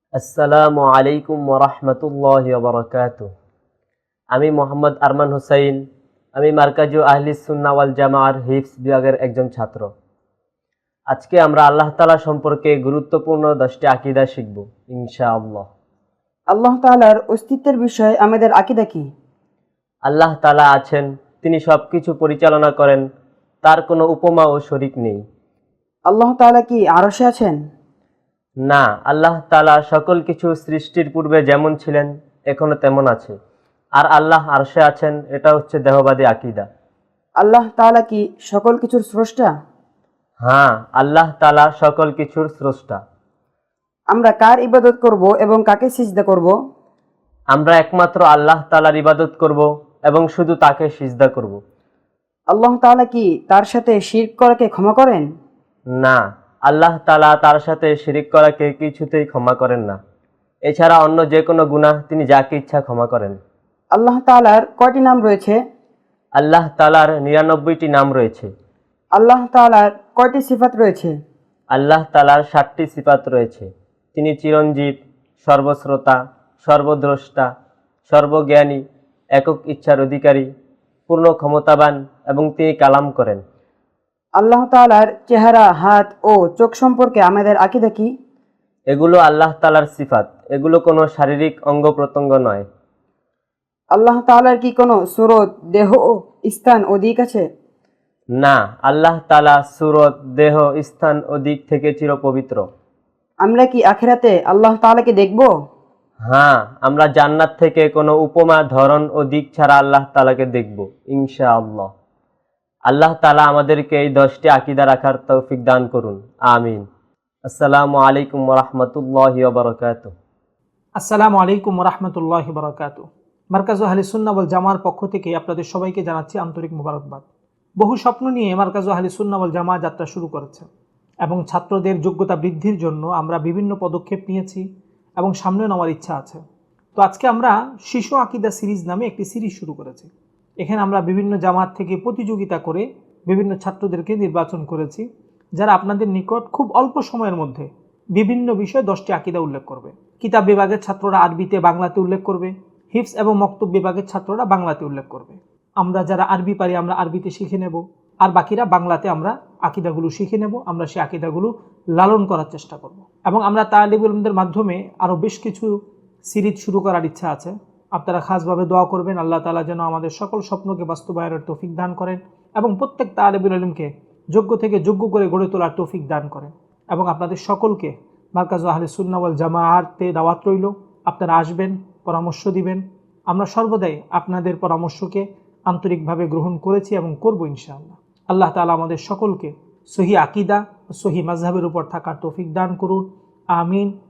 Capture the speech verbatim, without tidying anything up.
আসসালামু আলাইকুম ওয়া রাহমাতুল্লাহি ওয়া বারাকাতুহু। আমি মোহাম্মদ আরমান হোসাইন। আমি মার্কাজু আহলিস সুন্নাহ ওয়াল জামাআর হিফজ বিভাগের একজন ছাত্র। আজকে আমরা আল্লাহ তাআলা সম্পর্কে গুরুত্বপূর্ণ দশটি আকীদা শিখব ইনশাআল্লাহ। আল্লাহ তাআলার অস্তিত্বের বিষয়ে আমাদের আকীদা কি? আল্লাহ তাআলা আছেন, তিনি সবকিছু পরিচালনা করেন, তার কোনো উপমা ও শরীক নেই। আল্লাহ তাআলা কি আরশে আছেন? না, আল্লাহ তাআলা সকল কিছু সৃষ্টির পূর্বে যেমন ছিলেন এখনো তেমন আছে। আর আল্লাহ আরশে আছেন, এটা হচ্ছে দেহবাদী আকীদা। আল্লাহ তাআলা কি সকল কিছুর স্রষ্টা? হ্যাঁ, আল্লাহ তাআলা সকল কিছুর স্রষ্টা। আমরা কার ইবাদত করব এবং কাকে সিজদা করব? আমরা একমাত্র আল্লাহ তাআলার ইবাদত করব এবং শুধু তাকে সিজদা করব। আল্লাহ তাআলা কি তার সাথে শিরক করাকে ক্ষমা করেন? না, আল্লাহ তাআলা তার সাথে শিরিক করাকে কিছুতেই ক্ষমা করেন না। এছাড়া অন্য যে কোনো গুনাহ তিনি যাকে ইচ্ছা ক্ষমা করেন। আল্লাহ তাআলার কয়টি নাম রয়েছে? আল্লাহ তাআলার নিরানব্বইটি নাম রয়েছে। আল্লাহ তাআলার কয়টি সিফাত রয়েছে? আল্লাহ তাআলার ষাটটি সিফাত রয়েছে। তিনি চিরঞ্জীব, সর্বশ্রোতা, সর্বদ্রষ্টা, সর্বজ্ঞানী, একক ইচ্ছার অধিকারী, পূর্ণ ক্ষমতাবান এবং তিনি কালাম করেন। আল্লাহ তাআলার চেহারা, হাত ও চোখ সম্পর্কে আমাদের আকীদা কি? এগুলো আল্লাহ তাআলার সিফাত, এগুলো কোনো শারীরিক অঙ্গ প্রত্যঙ্গ নয়। আল্লাহ তাআলার কি কোনো সুরত, দেহ, স্থান ও দিক আছে? না, আল্লাহ তাআলা সুরত, দেহ, স্থান ও দিক থেকে চিরপবিত্র। আমরা কি আখিরাতে আল্লাহ তাআলাকে দেখব? হ্যাঁ, আমরা জান্নাত থেকে কোনো উপমা, ধরন ও দিক ছাড়া আল্লাহ তাআলাকে দেখব ইনশাআল্লাহ। আল্লাহ তাআলা আমাদেরকে এই দশটি আকীদা রাখার তৌফিক দান করুন, আমিন। আসসালামু আলাইকুম ওয়া রাহমাতুল্লাহি ওয়া বারাকাতুহু। আসসালামু আলাইকুম ওয়া রাহমাতুল্লাহি ওয়া বারাকাতুহু। মার্কাজু আহলিস সুন্নাহ ওয়াল জামাআর পক্ষ থেকে আপনাদের সবাইকে জানাচ্ছি আন্তরিক মোবারকবাদ। বহু স্বপ্ন নিয়ে মার্কাজু আহলিস সুন্নাহ ওয়াল জামাআহ যাত্রা শুরু করেছে এবং ছাত্রদের যোগ্যতা বৃদ্ধির জন্য আমরা বিভিন্ন পদক্ষেপ নিয়েছি এবং সামনে নেওয়ার ইচ্ছা আছে। তো আজকে আমরা শিশু আকীদা সিরিজ নামে একটি সিরিজ শুরু করেছি। এখানে আমরা বিভিন্ন জামাত থেকে প্রতিযোগিতা করে বিভিন্ন ছাত্রদেরকে নির্বাচন করেছি, যারা আপনাদের নিকট খুব অল্প সময়ের মধ্যে বিভিন্ন বিষয়ে দশটি আকীদা উল্লেখ করবে। কিতাব বিভাগের ছাত্ররা আরবিতে, বাংলাতে উল্লেখ করবে। হিফজ এবং মক্তব বিভাগের ছাত্ররা বাংলাতে উল্লেখ করবে। আমরা যারা আরবি পারি আমরা আরবিতে শিখে নেব, আর বাকিরা বাংলাতে আমরা আকীদাগুলো শিখে নেব। আমরা সেই আকীদাগুলো লালন করার চেষ্টা করব এবং আমরা তালিবুল ইলমদের মাধ্যমে আরও বেশ কিছু সিরিজ শুরু করার ইচ্ছা আছে। আপনারা খাসভাবে দোয়া করবেন আল্লাহ তাআলা যেন আমাদের সকল স্বপ্নকে বাস্তবায়নের তৌফিক দান করেন এবং প্রত্যেক তালিবুল ইলমকে যোগ্য থেকে যোগ্য করে গড়ে তোলার তৌফিক দান করেন। এবং আপনাদের সকলকে মার্কাজু আহলিস সুন্নাহ ওয়াল জামাআতে দাওয়াত রইল। আপনারা আসবেন, পরামর্শ দিবেন। আমরা সর্বদাই আপনাদের পরামর্শকে আন্তরিকভাবে গ্রহণ করেছি এবং করব ইনশাআল্লাহ। আল্লাহ তাআলা আমাদের সকলকে সহি আকীদা ও সহি মাযহাবের উপর থাকার তৌফিক দান করুন, আমিন।